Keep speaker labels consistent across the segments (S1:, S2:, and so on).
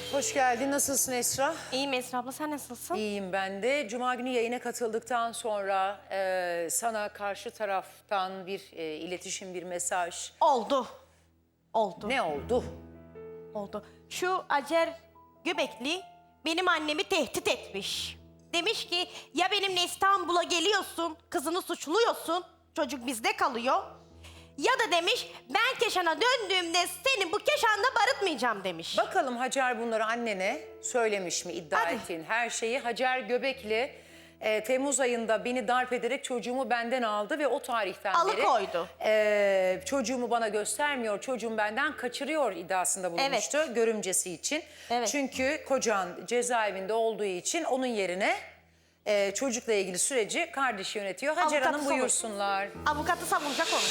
S1: Hoş geldin. Nasılsın Esra?
S2: İyiyim Esra abla, sen nasılsın?
S1: İyiyim ben de. Cuma günü yayına katıldıktan sonra sana karşı taraftan bir iletişim, bir mesaj.
S2: Oldu. Oldu.
S1: Ne oldu?
S2: Oldu. Şu Acer Göbekli benim annemi tehdit etmiş. Demiş ki ya benimle İstanbul'a geliyorsun, kızını suçluyorsun, çocuk bizde kalıyor. Ya da demiş ben Keşan'a döndüğümde seni bu Keşan'da barıtmayacağım demiş.
S1: Bakalım Hacer bunları annene söylemiş mi, iddia
S2: Hadi.
S1: ettiğin her şeyi. Hacer Göbekli Temmuz ayında beni darp ederek çocuğumu benden aldı ve o tarihten
S2: Alıkoydu.
S1: beri çocuğumu bana göstermiyor, çocuğum benden kaçırıyor iddiasında bulunmuştu görümcesi için.
S2: Evet.
S1: Çünkü kocan cezaevinde olduğu için onun yerine çocukla ilgili süreci kardeşi yönetiyor. Hacer
S2: Avukatı
S1: Hanım buyursunlar.
S2: Avukatı savunacak onu.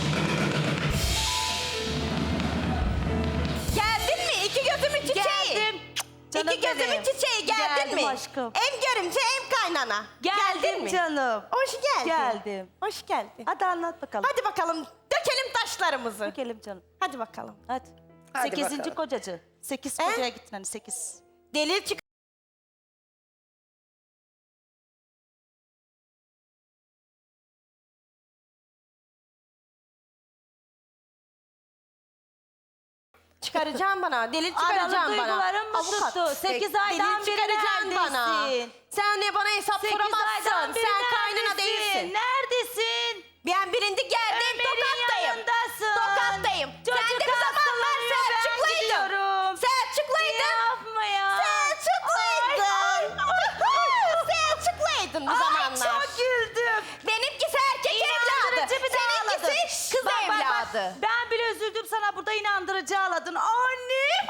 S2: Geldin mi? İki gözümün çiçeği.
S3: Geldim. Canım
S2: İki gözümün
S3: benim.
S2: çiçeği geldin
S3: Geldim
S2: mi?
S3: aşkım.
S2: Hem görümce hem kaynana.
S3: Geldim
S2: Geldin mi?
S3: canım.
S2: Hoş geldin.
S3: Geldim.
S2: Hoş geldin.
S3: Hadi anlat bakalım.
S2: Hadi bakalım dökelim taşlarımızı.
S3: Dökelim canım.
S2: Hadi bakalım.
S3: Hadi.
S1: Hadi
S3: 8.
S1: bakalım.
S3: kocacı. 8
S2: He?
S3: kocaya gittin hani 8.
S2: Delil çık. Çıkaracağım bana. Delil çıkaracağım
S3: Aralı
S2: bana.
S3: duygularım mı
S2: Avukat.
S3: tuttu? 8
S1: Peki,
S3: aydan
S2: Delil
S3: beri
S2: çıkaracaksın bana.
S3: neredesin?
S2: Sen de bana hesap
S3: 8 aydan
S2: soramazsın.
S3: beri
S2: Sen kaynana
S3: neredesin?
S2: değilsin.
S3: Neredesin?
S2: Ben birinci geldim.
S3: Ömer'in
S2: Tokattayım.
S3: yanındasın.
S2: Tokattayım. Sen
S3: Çocuk
S2: de bir zamanlar
S3: hastalanıyor, ben
S2: Selçukluydun.
S3: gidiyorum.
S2: Selçukluydun.
S3: Yapma ya.
S2: Selçukluydun. Selçukluydun bir zamanlar.
S3: Ay çok güldüm.
S2: Benimkisi erkek evladı.
S3: İnandırıcı bir de ağladın.
S2: Seninkisi kız
S3: Bak, bak, bak.
S2: evladı.
S3: Ben bile üzüldüm sana burada inandırıcı ağladın. Annem.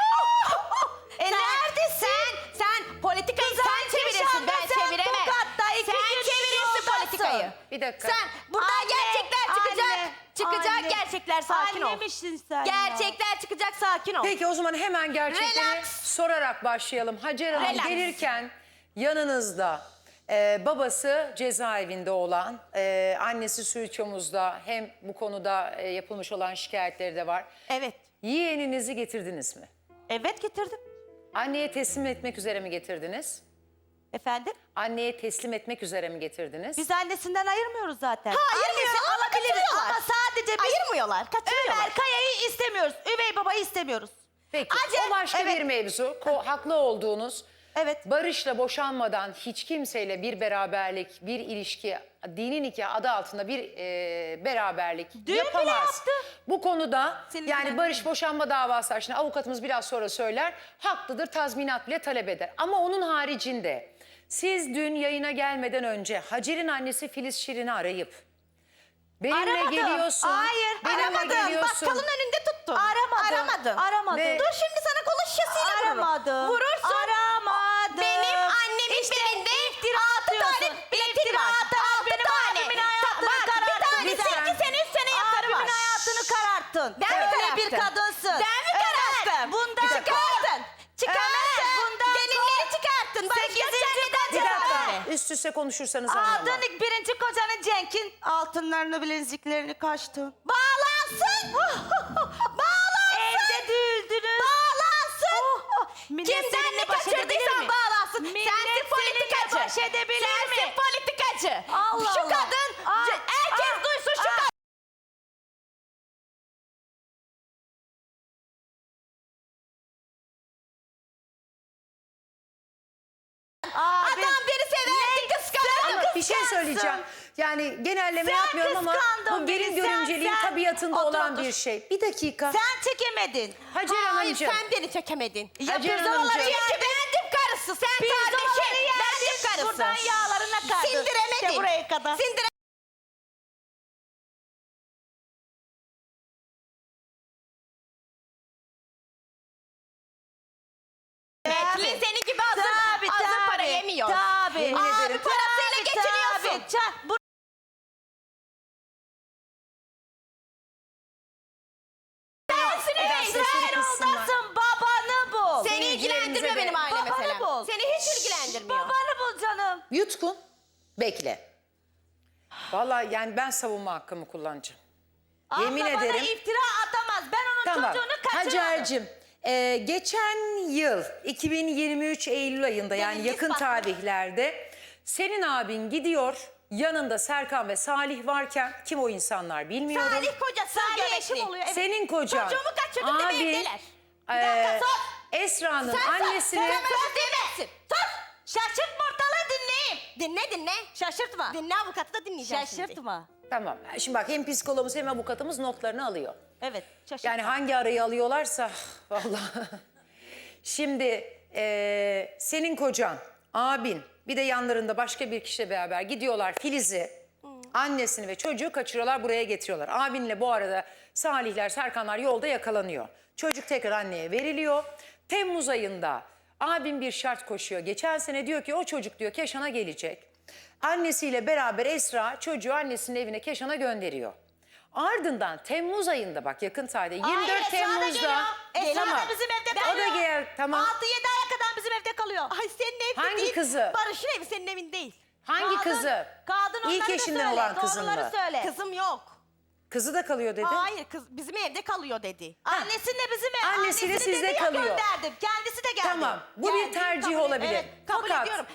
S2: Neredesin? Sen politikayı sen çevirirsin. Ben çeviremem. Sen çevirirsin politikayı.
S1: Bir dakika.
S2: Sen burada
S3: Anne,
S2: gerçekler çıkacak.
S3: anne,
S2: Çıkacak
S3: anne.
S2: gerçekler, sakin ol.
S3: Annemişsin sen ya.
S2: Gerçekler çıkacak, sakin ol.
S1: Peki o zaman hemen gerçekleri
S2: Relax.
S1: sorarak başlayalım. Hacer Hanım
S2: Relax.
S1: gelirken yanınızda babası cezaevinde olan, annesi Suiçomuz'da hem bu konuda yapılmış olan şikayetleri de var.
S2: Evet.
S1: Yeğeninizi getirdiniz mi?
S3: Evet getirdim.
S1: Anneye teslim etmek üzere mi getirdiniz?
S3: Efendim?
S1: Anneye teslim etmek üzere mi getirdiniz?
S3: Biz annesinden ayırmıyoruz zaten.
S2: Ayırmıyor,
S3: Annesi
S2: ama
S3: alabiliriz
S2: kaçırıyorlar.
S3: ama sadece biz
S2: Ayırmıyorlar, kaçırıyorlar.
S3: Ömer Kaya'yı istemiyoruz. Üvey babayı istemiyoruz.
S1: Peki
S2: Hacer,
S1: o başka
S3: evet.
S1: bir mevzu. Haklı olduğunuz,
S3: Evet.
S1: barışla boşanmadan hiç kimseyle bir beraberlik, bir ilişki, dini nikah adı altında bir beraberlik
S3: bile
S1: yapamaz.
S3: yaptı.
S1: Bu konuda
S3: Senin
S1: yani
S3: bilen
S1: barış boşanma davası açısından avukatımız biraz sonra söyler. Haklıdır, tazminat bile talep eder. Ama onun haricinde siz dün yayına gelmeden önce Hacer'in annesi Filiz Şirin'i arayıp benimle
S3: Aramadım.
S1: geliyorsun.
S3: Hayır,
S1: benimle
S2: Aramadım.
S1: geliyorsun.
S2: Bakkalın önünde tuttum.
S3: Aramadım.
S2: Aramadım.
S3: Aramadım.
S1: Ve-
S2: Dur şimdi sana konuşasıyla vururum.
S3: Aramadım.
S2: Vurursun.
S3: Aramadım.
S2: Benim annemin
S3: İşte
S2: belinde
S3: iftira
S2: 6 tane
S3: atıyorsun.
S2: biletim
S3: İftira
S2: var.
S3: atarak
S2: 6
S3: benim
S2: tane.
S3: abimin hayatını
S2: Var, bir
S3: kararttın.
S2: tanesi
S1: Lütfen.
S2: 2 sene 3 sene yatarı var.
S3: Abimin hayatını kararttın.
S2: Ben mi
S3: Öyle
S2: kararttım?
S3: bir kadınsın.
S2: Ben mi kararttım?
S3: Bundan
S2: Çıkarttın. Çıkarttın.
S3: bundan
S2: Delilleri çıkarttın. Barış Göçer neden
S1: Bir
S2: cevap
S1: dakika
S2: verdi?
S1: üst üste konuşursanız anlamam.
S3: Aldın birinci kocanın Cenk'in altınlarını bileziklerini kaçtın.
S2: Bağlansın. Bağlansın.
S3: Evde düğüldünüz.
S2: Bağlansın.
S3: Millet
S2: Kimden
S3: seninle
S2: ne
S3: baş edebilir
S2: kaçırdıysan
S3: mi?
S2: bağlansın.
S3: Millet
S2: Sensin
S3: seninle
S2: politikacı.
S3: baş edebilir mi?
S2: Sensin politikacı.
S3: Allah
S2: Şu
S3: Allah.
S2: kadın, herkes duysun şu kadın. Adam beni severdi, kıskandı.
S1: Ama bir şey söyleyeceğim. Yani genelleme
S3: Sen
S1: yapmıyorum ama
S3: kıskandın
S1: bu benim
S3: beni, sen,
S1: görümceliğin
S3: sen.
S1: tabiatında
S3: Otur,
S1: olan
S3: otur.
S1: bir şey. Bir dakika.
S3: Sen çekemedin.
S1: Hacer
S2: Hayır,
S1: Hanımcığım.
S2: sen beni çekemedin.
S1: Hacer
S3: pirzolaları
S1: Hanımcığım.
S2: Çünkü bendim karısı, sen kardeşim. Bendim karısı.
S3: Buradan yağlarına kardın.
S2: Sindiremedin.
S3: İşte buraya kadar.
S2: Kimin seni gibi hazır para yemiyor.
S3: Tabii.
S1: Yemin
S2: Abi
S1: ederim.
S2: parasıyla geçiniyorsun. Sensin
S1: Eda,
S2: üvey,
S1: sesini
S2: sen
S1: kıssınlar.
S3: Oldasın babanı bul.
S2: Seni ilgilendirmiyor
S1: de-
S2: benim aile
S3: Babanı
S2: meselem.
S3: bul.
S2: Seni hiç ilgilendirmiyor.
S3: Babanı bul canım.
S1: Yutkun. Bekle. Vallahi yani ben savunma hakkımı kullanacağım. Yemin
S3: Abla bana
S1: ederim.
S3: iftira atamaz. Ben onun
S1: Tamam.
S3: çocuğunu kaçırmadım.
S1: Hacer'cim Geçen yıl 2023 Eylül ayında yani
S2: Demin
S1: yakın
S2: ispatlı.
S1: tarihlerde senin abin gidiyor, yanında Serkan ve Salih varken, kim o insanlar bilmiyorum.
S2: Salih kocası
S3: Salih
S2: göbekli.
S3: eşim oluyor. Evet.
S1: Senin kocan.
S2: Çocuğumu kaçırdım deme
S1: abin,
S2: evdeler. Bir dakika sus.
S1: Esra'nın
S2: Sen
S1: annesini...
S2: sus demezsin. Sus. Şaşırtma ortalığı dinleyeyim. Dinle.
S3: Şaşırtma.
S2: Dinle avukatı da dinleyeceğim şimdi.
S3: Şaşırtma.
S1: Tamam, şimdi bak hem psikologumuz hem avukatımız notlarını alıyor.
S3: Evet. Şaşırtma.
S1: Yani hangi arayı alıyorlarsa vallahi. Şimdi senin kocan, abin, bir de yanlarında başka bir kişiyle beraber gidiyorlar Filiz'i, annesini ve çocuğu kaçırıyorlar, buraya getiriyorlar. Abinle bu arada Salihler, Serkanlar yolda yakalanıyor. Çocuk tekrar anneye veriliyor. Temmuz ayında abim bir şart koşuyor. Geçen sene diyor ki o çocuk diyor Keşan'a gelecek. Annesiyle beraber Esra çocuğu annesinin evine Keşan'a gönderiyor. Ardından Temmuz ayında bak yakın tarihte 24
S3: Esra da
S1: Temmuz'da.
S3: geliyor. Esra
S1: Tamam.
S3: da bizim evde
S1: O da
S3: kalıyor.
S1: gel tamam.
S3: 6-7 aya kadar bizim evde kalıyor.
S2: Ay senin evin
S1: Hangi
S2: değil.
S1: kızı?
S2: Barış'ın evi senin evin değil.
S1: Hangi kızı?
S3: Kadın
S1: İlk
S3: onları da
S1: eşinden
S3: söyle,
S1: olan kızın
S3: doğruları
S1: mı?
S3: söyle.
S2: Kızım yok.
S1: Kızı da kalıyor dedi.
S2: Hayır kız bizim evde kalıyor dedi.
S3: Annesinin de bizim ev.
S1: Annesi de
S3: annesini
S1: sizde
S3: dedi ya,
S1: kalıyor.
S3: gönderdim. Kendisi de geldi.
S1: Tamam. Bu
S2: Geldim,
S1: bir tercih
S2: kabul-
S1: olabilir.
S2: evet, kabul
S1: Fakat
S2: ediyorum.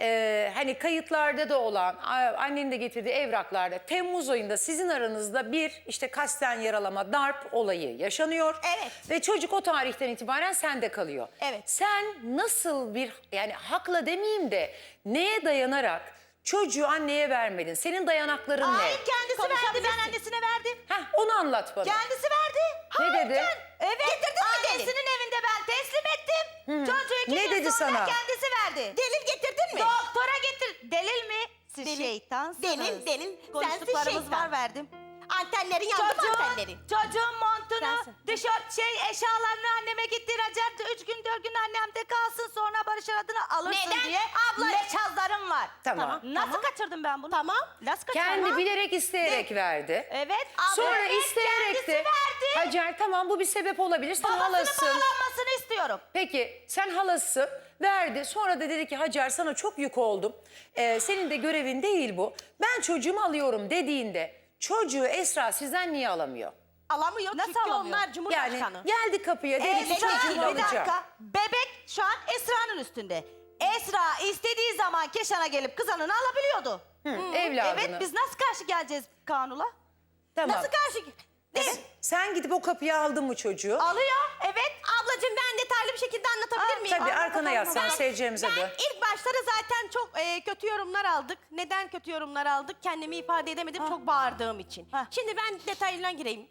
S1: hani kayıtlarda da olan annenin de getirdiği evraklarda Temmuz ayında sizin aranızda bir işte kasten yaralama, darp olayı yaşanıyor.
S2: Evet.
S1: Ve çocuk o tarihten itibaren sende kalıyor.
S2: Evet.
S1: Sen nasıl bir yani hakla demeyeyim de neye dayanarak çocuğu anneye vermedin? Senin dayanakların ne?
S3: Hayır kendisi verdi. Ben
S2: Konuşabilirsin.
S3: annesine verdim.
S1: Heh, onu anlat bana.
S3: Kendisi verdi.
S1: Ne dedi?
S3: Evet.
S2: Getirdin mi delil?
S3: Annesinin evinde ben teslim ettim. Çocuğu 2
S1: Ne
S3: gün
S1: dedi
S3: sonra
S1: sana?
S3: kendisi verdi.
S2: Delil getirdin mi?
S3: Doktora getir. Delil mi? Siz
S2: Delil.
S3: şeytansınız.
S2: Delil. Sensin
S3: Konuştuklarımız
S2: şeytan.
S3: var verdim.
S2: Antenlerin yandı mı antenlerin?
S3: Çocuğun montunu,
S2: Sensin.
S3: tişört, eşyalarını anneme gittirecekti. 3 gün 4 gün annemde kalsın sonra Barış adını alırsın
S2: Neden?
S3: diye.
S2: Abla-
S3: Meçhazlarım var.
S1: Tamam.
S3: Nasıl kaçırdım ben bunu?
S2: Tamam.
S3: Nasıl kaçırdım?
S1: Kendi bilerek isteyerek verdi.
S3: Evet.
S1: Sonra
S3: Evet,
S1: isteyerek
S3: kendisi
S1: de
S3: verdi.
S1: Hacer tamam bu bir sebep olabilir. Sen
S3: Babasının
S1: halasın.
S3: bağlanmasını istiyorum.
S1: Peki sen halasın verdi. Sonra da dedi ki Hacer sana çok yük oldum. Senin de görevin değil bu. Ben çocuğumu alıyorum dediğinde çocuğu Esra sizden niye alamıyor?
S2: Alamıyor
S3: Nasıl
S2: çünkü
S3: alamıyor?
S2: onlar
S1: Yani
S2: Cumhurbaşkanı.
S1: geldi kapıya dedi ki
S3: Esra,
S1: çocuğumu
S3: bir
S1: alacağım.
S3: dakika. Bebek şu an Esra'nın üstünde. Esra istediği zaman Keşan'a gelip kızanını alabiliyordu.
S1: Evladını.
S3: Evet biz nasıl karşı geleceğiz kanula?
S1: Tamam.
S3: Nasıl karşı?
S1: Evet. Sen gidip o kapıya aldın mı çocuğu?
S3: Alıyor. Evet.
S2: Ablacığım ben detaylı bir şekilde anlatabilir miyim?
S1: Tabii arkana
S3: Anlatamam.
S1: yaslan seyircilerimize
S2: Ben
S1: dön.
S2: ilk başları zaten çok kötü yorumlar aldık. Neden kötü yorumlar aldık? Kendimi ifade edemedim çok bağırdığım için.
S3: Ha.
S2: Şimdi ben detaylarına gireyim.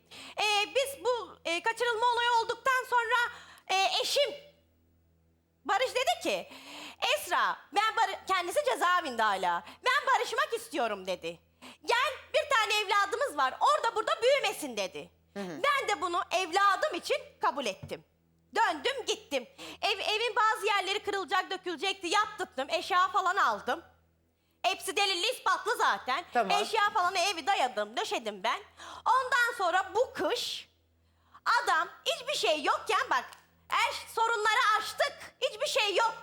S2: Biz bu kaçırılma olayı olduktan sonra eşim Barış dedi ki Esra kendisi cezaevinde hala. Ben barışmak istiyorum dedi. Gel bir tane evladımız var orada burada büyümesin dedi. Ben de bunu evladım için kabul ettim. Döndüm gittim. Evin bazı yerleri kırılacak dökülecekti yaptırdım eşya falan aldım. Hepsi delilli ispatlı zaten.
S1: Tamam.
S2: Eşya falan evi dayadım döşedim ben. Ondan sonra bu kış adam hiçbir şey yokken bak sorunları aştık hiçbir şey yok.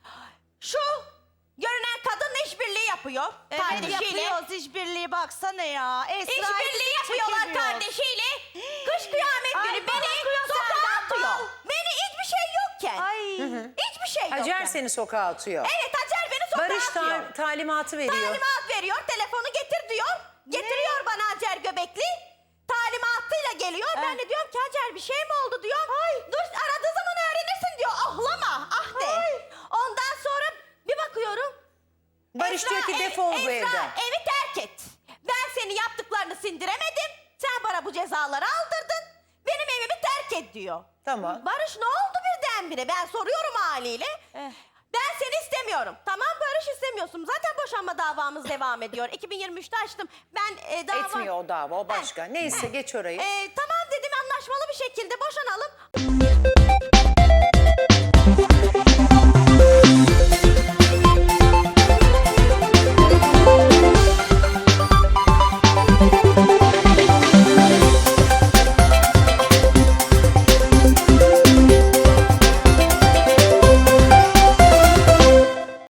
S2: Şu görünen kadınla işbirliği yapıyor kardeşiyle.
S3: Yapıyoruz işbirliği baksana ya. Esra
S2: İşbirliği yapıyorlar kardeşiyle. Kış kıyamet
S3: Ay,
S2: günü
S3: bal
S2: beni
S3: akıyor
S2: sokağa
S3: senden,
S2: atıyor.
S3: bal.
S2: Beni hiçbir şey yokken.
S3: Ay.
S2: Hiçbir şey yokken.
S1: Hacer seni sokağa atıyor.
S2: Evet Hacer beni sokağa
S1: Barış
S2: atıyor.
S1: talimatı veriyor.
S2: Talimat veriyor, telefonu getir diyor. Getiriyor bana Hacer Göbekli. Talimatıyla geliyor. Ben de diyorum ki Hacer bir şey mi oldu diyor. Dur aradığı zaman öğrenirsin diyor. Ahlama, ah de. Ondan sonra bir bakıyorum.
S1: Barış diyor ki defol bu evden.
S2: Evi terk et. Ben senin yaptıklarını sindiremedim. Sen bana bu cezaları aldırdın. Benim evimi terk et diyor.
S1: Tamam.
S2: Barış ne oldu birdenbire? Ben soruyorum haliyle. Ben seni istemiyorum. Tamam Barış istemiyorsun. Zaten boşanma davamız devam ediyor. 2023'te açtım. Ben dava...
S1: Etmiyor o dava o başka. Neyse geç orayı.
S2: Tamam dedim anlaşmalı bir şekilde boşanalım.